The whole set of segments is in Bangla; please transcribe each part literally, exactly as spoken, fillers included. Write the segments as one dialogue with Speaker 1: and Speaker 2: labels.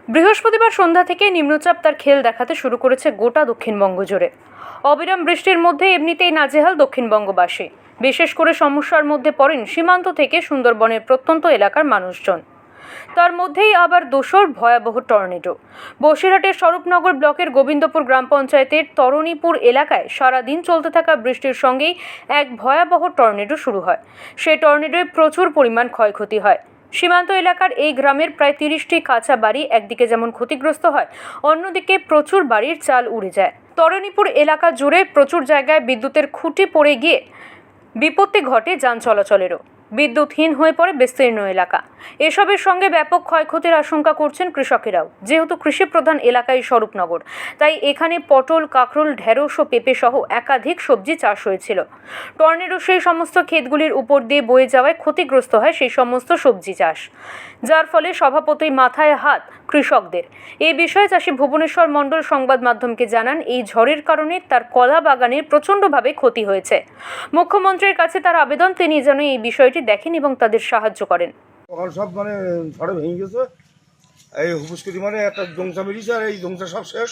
Speaker 1: বৃহস্পতিবার সন্ধ্যা থেকে নিম্নচাপ তার খেল দেখাতে শুরু করেছে গোটা দক্ষিণবঙ্গ জুড়ে। অবিরাম বৃষ্টির মধ্যে এমনিতেই নাজেহাল দক্ষিণবঙ্গবাসী। বিশেষ করে সমস্যার মধ্যে পড়েন সীমান্ত থেকে সুন্দরবনের প্রত্যন্ত এলাকার মানুষজন। তার মধ্যেই আবার দোসর ভয়াবহ টর্নেডো। বসিরহাটের স্বরূপনগর ব্লকের গোবিন্দপুর গ্রাম পঞ্চায়েতের তরণীপুর এলাকায় সারাদিন চলতে থাকা বৃষ্টির সঙ্গেই এক ভয়াবহ টর্নেডো শুরু হয়। সেই টর্নেডোয় প্রচুর পরিমাণ ক্ষয়ক্ষতি হয়। সীমান্ত এলাকার এই গ্রামের প্রায় তিরিশটি কাঁচা বাড়ি একদিকে যেমন ক্ষতিগ্রস্ত হয়, অন্যদিকে প্রচুর বাড়ির চাল উড়ে যায়। তরণীপুর এলাকা জুড়ে প্রচুর জায়গায় বিদ্যুতের খুঁটি পড়ে গিয়ে বিপত্তি ঘটে যান চলাচলেরও। বিদ্যুৎহীন হয়ে পড়ে বিস্তীর্ণ এলাকা। এসবের সঙ্গে ব্যাপক ক্ষয়ক্ষতির আশঙ্কা করছেন কৃষকেরাও। যেহেতু কৃষি প্রধান এলাকায় স্বরূপনগর, তাই এখানে পটল, কাঁকরোল, ঢেঁড়স ও পেঁপে সহ একাধিক সবজি চাষ হয়েছিল। টর্নেডো সেই সমস্ত ক্ষেতগুলির উপর দিয়ে বয়ে যাওয়ায় ক্ষতিগ্রস্ত হয় সেই সমস্ত সবজি চাষ, যার ফলে স্বভাবতই মাথায় হাত কৃষকদের। এই বিষয়ে চাষি ভুবনেশ্বর মণ্ডল সংবাদ মাধ্যমকে জানান, এই ঝড়ের কারণে তার কলা বাগানের প্রচণ্ডভাবে ক্ষতি হয়েছে। মুখ্যমন্ত্রীর কাছে তার আবেদন, তিনি যেন এই বিষয়টি দেখেন এবং তাদের সাহায্য করেন।
Speaker 2: সকাল সব মানে ঝড়ে ভেঙে গেছে, এই হুপুসকুটি মানে একটা জংসা বেরিয়েছে, আর এই জংসা সব শেষ।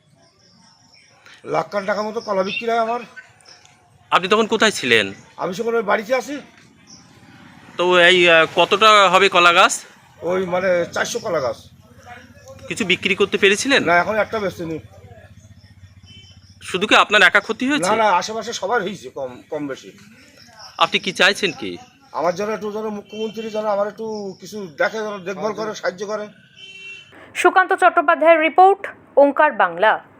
Speaker 2: লাখ খান টাকা মতো কলা বিক্রি হয় আমার।
Speaker 3: আপনি তখন কোথায় ছিলেন?
Speaker 2: আমি সকালে বাড়িতে আছি।
Speaker 3: তো এই আহ, কতটা হবে কলা গাছ?
Speaker 2: ওই মানে চারশো কলা গাছ।
Speaker 3: কিছু বিক্রি করতে পেরেছিলেন?
Speaker 2: না, এখন একটা বেচতে নেই।
Speaker 3: শুধু কি আপনার একা ক্ষতি
Speaker 2: না
Speaker 3: হয়েছে?
Speaker 2: না, আশেপাশে সবার হয়েছে কম কম বেশি।
Speaker 3: আপনি কি চাইছেন কি?
Speaker 2: আমার জন্য একটু যেন মুখ্যমন্ত্রী যেন আমার একটু কিছু দেখে, যেন দেখভাল করে, সাহায্য করে।
Speaker 1: সুকান্ত চট্টোপাধ্যায়ের রিপোর্ট, ওঙ্কার বাংলা।